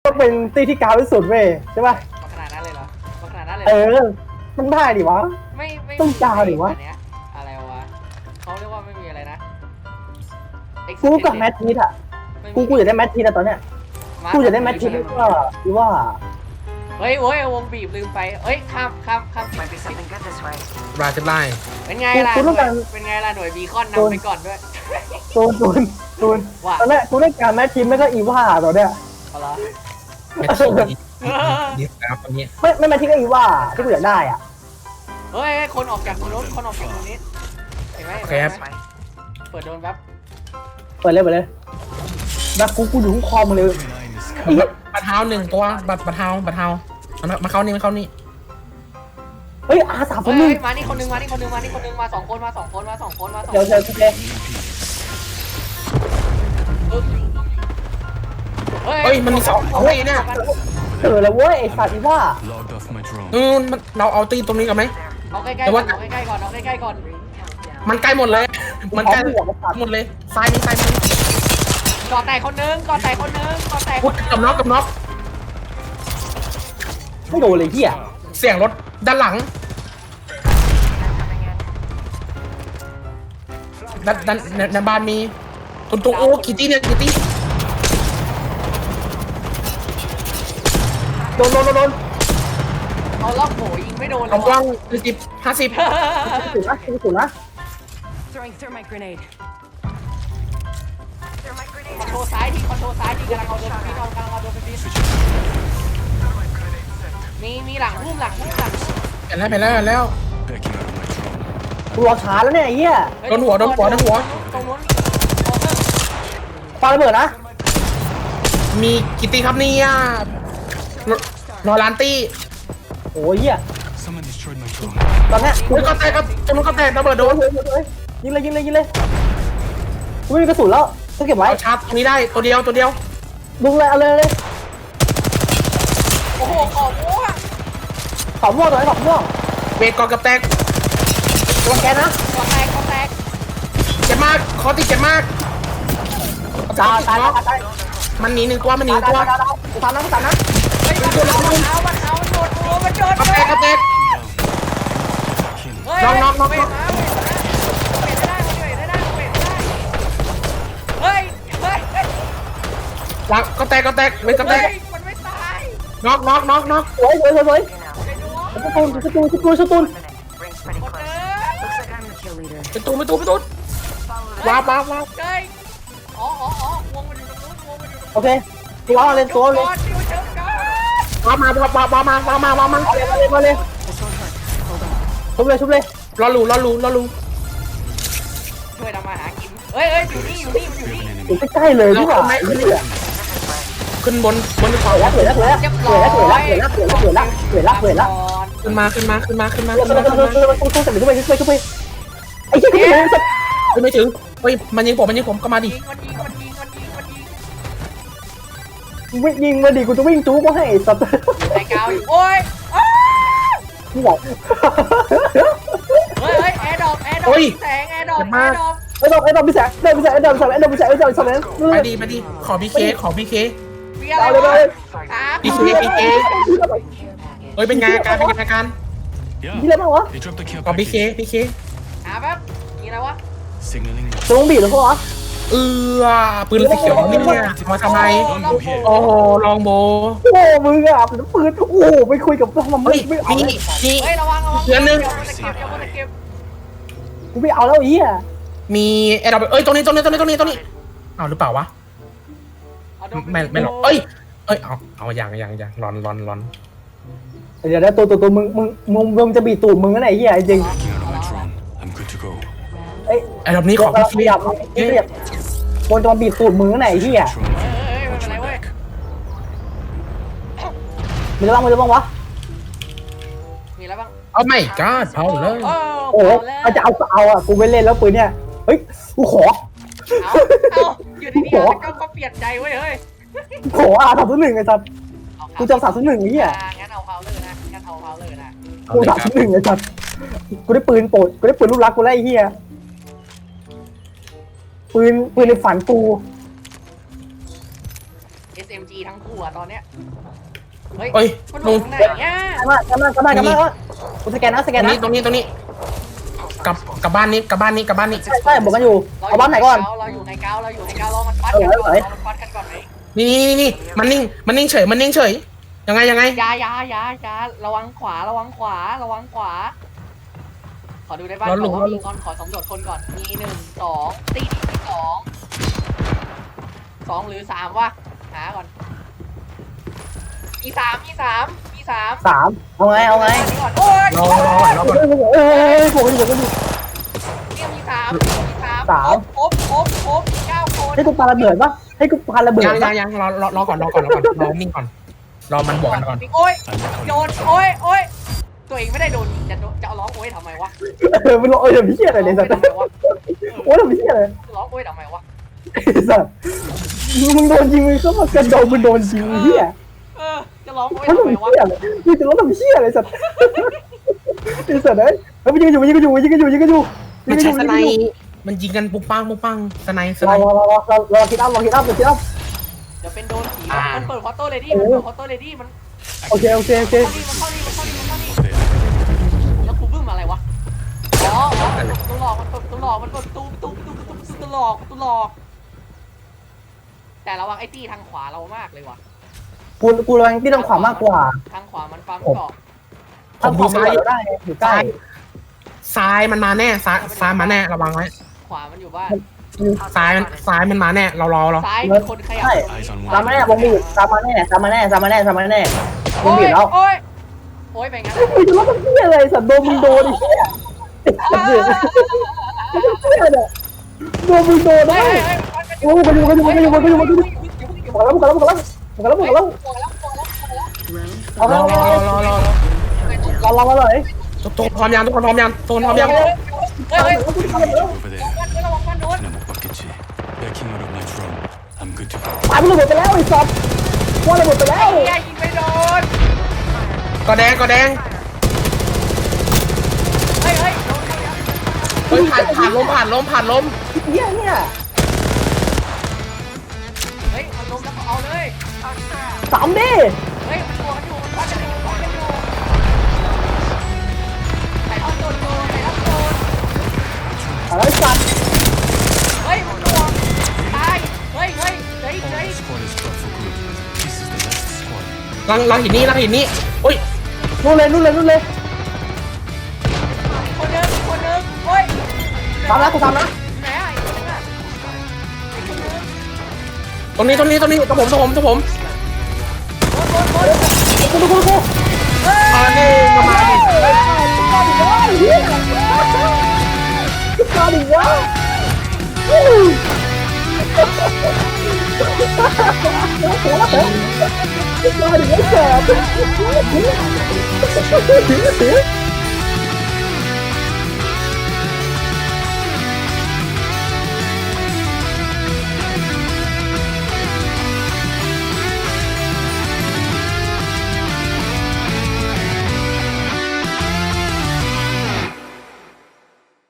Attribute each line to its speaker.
Speaker 1: ก็เป็นตีที่กาวที่สุดเว้ยใช่ป่ะ
Speaker 2: ขนาดนั้นเลยเหรอขนาดนั้นเลย
Speaker 1: ต้องได้ดิวะ
Speaker 2: ไม่
Speaker 1: ต้องกาวดิวะ
Speaker 2: อะไรวะเขาเรียกว่าไม่มีอะไรนะ
Speaker 1: กูกับแมททีอ่ะกูอยากได้แมททีอะตอนเนี้ยกูอยากได้แมททีว่า
Speaker 2: เฮ้ยวงบีบลืมไปเฮ้ยข้าม
Speaker 3: ราจะไล่
Speaker 2: เป็นไงล่ะเป็นไงล่ะหน่วยบีคอนนำไปก่อนด้วย
Speaker 1: ตูนตอนแรกกูเล่นการแมททีไม่ก็อีว่าตอนเนี้ย
Speaker 2: อะไร
Speaker 3: แมททีดีครับตอนนี้
Speaker 1: ไม่แมททีก็อีว่าที่กูอยากได้อ่ะ
Speaker 2: เฮ้ยคนออกจากรถคนออกจากตรงนี้เห็นไหมเปิดโดนแป๊บ
Speaker 1: เปิดเลยแบบกูอยู่คอมเลย
Speaker 3: บัตรเท้าหนึ่งตัวบัตรเท้ามาเข้านี่
Speaker 1: เฮ้ยR3
Speaker 2: มานี่คนนึงมาสองคน
Speaker 1: เดี๋ยว
Speaker 3: เฮ้ยมันมีสองเฮ้ยเนี่ย
Speaker 1: แล้วเว้ยไอ้สัตว์อีว่า
Speaker 3: เราเอาตีตรงนี้กันไหม
Speaker 2: เอาใกล้ๆก่อน
Speaker 3: มันใกล้หมดเลยมันใกล้หมดเลยซ้ายมี
Speaker 2: ก่อแตกคนนึง
Speaker 3: กับน็อก
Speaker 1: ไม่โดนเลยเหี้ย
Speaker 3: เสียงรถด้านหลังด้านในบ้านมีตรงโอ้กี่ตีเนี่ยกี่ตี
Speaker 1: โดน
Speaker 2: เอาล็อกโหยิงไม่โดน
Speaker 3: เอาว่าง50
Speaker 1: สูงนะ
Speaker 2: คอนโทรซ้ายที่กำลังเอาโดนฟีมีหลังพุ่ม
Speaker 3: ไปแล้ว
Speaker 1: กูรอช้าแล้วเนี่ยไอ้เหี้ย
Speaker 3: โดนหัว
Speaker 2: ตรงนู้น
Speaker 1: ปาระเบิดนะ
Speaker 3: มีกี่ตีครับเนี่ยรอล้านตี
Speaker 1: โอ้ยเหี้ยตอนเนี้ย
Speaker 3: กูก็แตกครับตรงนู้นก็แตกระเบิดโดน
Speaker 1: ยิงเลยกูไม่มีกระสุนแล้วต้องเก็บไว้
Speaker 3: ชาร์จตรงนี้ได้ตัวเดียว
Speaker 1: ดึงเลยเอาเลย
Speaker 2: โอ้โหขอบ
Speaker 1: ม่วงตัวไหนขอบม่วง
Speaker 3: เบรกก่อนกับแตก
Speaker 1: ตัวแกนะ
Speaker 2: ขอแตก
Speaker 3: เจ็บมากคอติดเจ็บมาก
Speaker 1: ตาย
Speaker 3: มันหนีหนึ่งตัว
Speaker 1: ตามนะ
Speaker 2: เฮ้ยมันโดน
Speaker 3: กับแตกน็อก
Speaker 2: เฮ้ย
Speaker 3: หลังก็แตกไม่ก็แตก
Speaker 2: มันไม่ตาย
Speaker 3: น็อก
Speaker 1: สวยสตูน
Speaker 3: ไปตูว้าว
Speaker 2: เฮ้ยอ๋อวงมันอยู่ตรงนู้น
Speaker 1: โอเคตัวเล่นตัวเลย
Speaker 3: ว้าวมา
Speaker 1: เลยชุบเลย
Speaker 3: รอลู
Speaker 2: ช่วยทำมาหากินเฮ้ยอยู่นี่
Speaker 1: อยู่ใกล้ๆเลยที่ว่า
Speaker 3: ขึ้นบนเขา
Speaker 1: เหลือละ
Speaker 3: ขึ้นมา
Speaker 1: ตู้เสร็จเลยช่วยไอ้เหี้ย
Speaker 3: ไม่ถึงเฮ้ยมันยิงผมก็มาดิ
Speaker 1: ยิงมาดิกูจะวิ่งจู๊ก็ให้สัตว์
Speaker 2: ไอ้กาวโอ้ย
Speaker 1: นี่บอก
Speaker 2: เฮ้ยแอร์ดรอปแสงแอร์ดรอป
Speaker 1: พี่แสง
Speaker 3: ไปดีขอพีเค
Speaker 2: เอา
Speaker 1: เลย
Speaker 3: พีเคเฮ้ยเป็นไงอาการ
Speaker 1: นี่อะไรบ้างวะ
Speaker 3: ขอพีเค
Speaker 2: แป๊บมีอะไรวะ
Speaker 1: ตัวบีบหรือเปล่า
Speaker 3: ปืนสีเขียวนี่เนี่ยมาทำไมโอ้ลองโบ
Speaker 1: โอ้มึงอ่ะปืนโอ้ไปคุยกับมันไม่เอา
Speaker 3: นี่
Speaker 2: ระวัง
Speaker 3: เดือนนึง
Speaker 1: กูไม่เอาแล้วอีอ่ะ
Speaker 3: มีไอ้เราตรงนี้เอาหรือเปล่าวะไม่หรอกเอ้ยเอาอย่างร้อน
Speaker 1: เดี๋ยวตัวมึงจะบีตูดมึงนั่นไหนเหี้ยจริง
Speaker 3: ไอ้รอบนี้ขอพี่เรียบ
Speaker 1: คนจะมาบีตูดมึงนั่นไหนเหี้ยมีอะไรบ้างวะ
Speaker 2: มีอะไรบ้าง
Speaker 3: เอาไม่ก้าเผาเลย
Speaker 1: โอ้จะเอาอ่ะกูไม่เล่นแล้วปืนเนี่ยเฮ้ยกูขอ
Speaker 2: อยู่ดีๆก็เปลี่ยนใจเว้ยเฮ้ย
Speaker 1: ขอ301ไอ้สัตว์กูจะ301ไอ้เหี้ย
Speaker 2: งั้นเอาเผาเลยนะ
Speaker 1: กู301ไอ้สัตว์กูได้ปืนโปรดกูได้ปืนลูกรักกูไล่เหี้ยปืนในฝันกู
Speaker 2: SMG ทั้งคู่อะตอนเนี้ยเฮ้ย
Speaker 3: เอ้ย
Speaker 2: มัน
Speaker 3: ล
Speaker 2: ล
Speaker 3: ง
Speaker 2: งไหนเนี่ย
Speaker 1: กลับมากูสแกนนะ
Speaker 3: ตรงนี้กลับบ้านนี้
Speaker 1: ใช่บอกกันอยู่เอาบ้านไหนก่อน
Speaker 2: เราอยู่ในเการอมันปัดกันก่อนรอมันปัดกันก่อนไหม
Speaker 3: นี่มันนิ่งเฉยยังไง
Speaker 2: ยาระวังขวาขอดูในบ้านก่อนว่ามีคนขอสำรวจคนก่อนมี1 2ตีที่2หรือ3วะหาก่อนมี3
Speaker 1: เอาไง
Speaker 2: โอ้ย
Speaker 3: รอก่อน
Speaker 1: ผมอยู่
Speaker 2: เนี่ยมี3ครบ9 คน
Speaker 1: ให้กูปาระเบิดปะให้กูปาระเบิด
Speaker 3: ยังรอก่อนรอนิ่งก่อนรอมันบวกกันก่อน
Speaker 2: โอ้ยโดนโอ้ยตัวเองไม่ได้โดนจะเอาร้องโอ้ยทำไมวะ
Speaker 1: มันร้องโอ้ยทำพี่อะไรเนี่ยสัตว์โอ้ยทำพี่อะไร
Speaker 2: ร้องโอ้ยทำไมวะ
Speaker 1: สัตว์มึงโดนยิงมึงก็มากระโดดมึงโดนยิงเหี้ย
Speaker 2: จะร้องโอ้ย
Speaker 1: มัน
Speaker 2: ทำ
Speaker 1: ทำ
Speaker 2: ไม
Speaker 1: เหี้
Speaker 2: วะ
Speaker 1: ยอะไรมึงจะร้องทำเหี้ยอะไรสัตว์ไอ้สัตว์เอ้ยมันยิงกันอยู่
Speaker 3: มันใช้สไนมันยิงกันปุ๊บปังสไน
Speaker 1: รอคิดอัพ
Speaker 2: เดี๋ยวเป็นโดนผีมันเปิดคอโต้เลดี้มัน
Speaker 1: โอเค
Speaker 2: มันเข้านี่แล้วกูบึ้มอะไรวะอ๋อตัวหลอกมันเปิดตัวหลอกแต่ระวังไอ้ตี้ทางขวาเรามากเลยว่ะ
Speaker 1: กูระวังที่ทางขวามากกว่า
Speaker 2: ทางขวามันปั๊มเกาะ
Speaker 1: ทางขวาไม่ได้อยู่ใกล้
Speaker 3: ซ้ายมันมาแน่ซ้ายมาแน่ระวังไว้
Speaker 2: ขวามันอยู่บ้าน
Speaker 3: ซ้ายมันมาแน่เรา
Speaker 2: ซ้ายมีคนขยับ
Speaker 1: ตามมาแน่วงบีบตามมาแน่วงบีบแล้ว
Speaker 2: โอ้ยไปงั้น
Speaker 1: มึงจะร้องทำเหี้ยอะไรสัตว์โดนมึงโดนไอ้เหี้ยโดนมึงโดนได้โอ้ยกันอยู่เอาเลย
Speaker 3: ทุกคนพร้อมยังทุกคนพร้อมยัง
Speaker 2: เฮ้ย
Speaker 4: Over there.
Speaker 2: ระวังมันโดน
Speaker 4: 나못 받겠지. Backing out of my drone. I'm good to go.
Speaker 1: ตายมันระเบิดไปแล้วไอ้สัตว์ว่าระเบิดไปแล้ว
Speaker 2: ไอ้ยิงไม่โดน
Speaker 3: ก็แดง
Speaker 2: เฮ้ย
Speaker 3: เฮ้ยผ่านล้ม
Speaker 1: เหี้ยเนี่ย
Speaker 2: เฮ้ยมันล้มแล้วก็เอาเลย
Speaker 1: สามดิ
Speaker 2: เฮ้ยมันตัวกันอยู่มันกันอยู่ใส่ท่อนโดนใส่ท่อนโดน
Speaker 1: อะไรสัตว์
Speaker 2: เฮ้ยมันตัวตายเฮ้ย
Speaker 4: All squad is dropped for good. This is the last squad.
Speaker 3: ลังหินนี้อุ้ย
Speaker 1: นู่นเลย
Speaker 2: คนนึงเฮ้ย
Speaker 1: ตามนะกูตามนะ
Speaker 2: ไหนอ่ะไอ้คนนึงอ่ะ
Speaker 3: ตรงนี้ตัวผม
Speaker 1: กู
Speaker 3: มาดิมาดิ
Speaker 1: มาดิวะมาดิวะ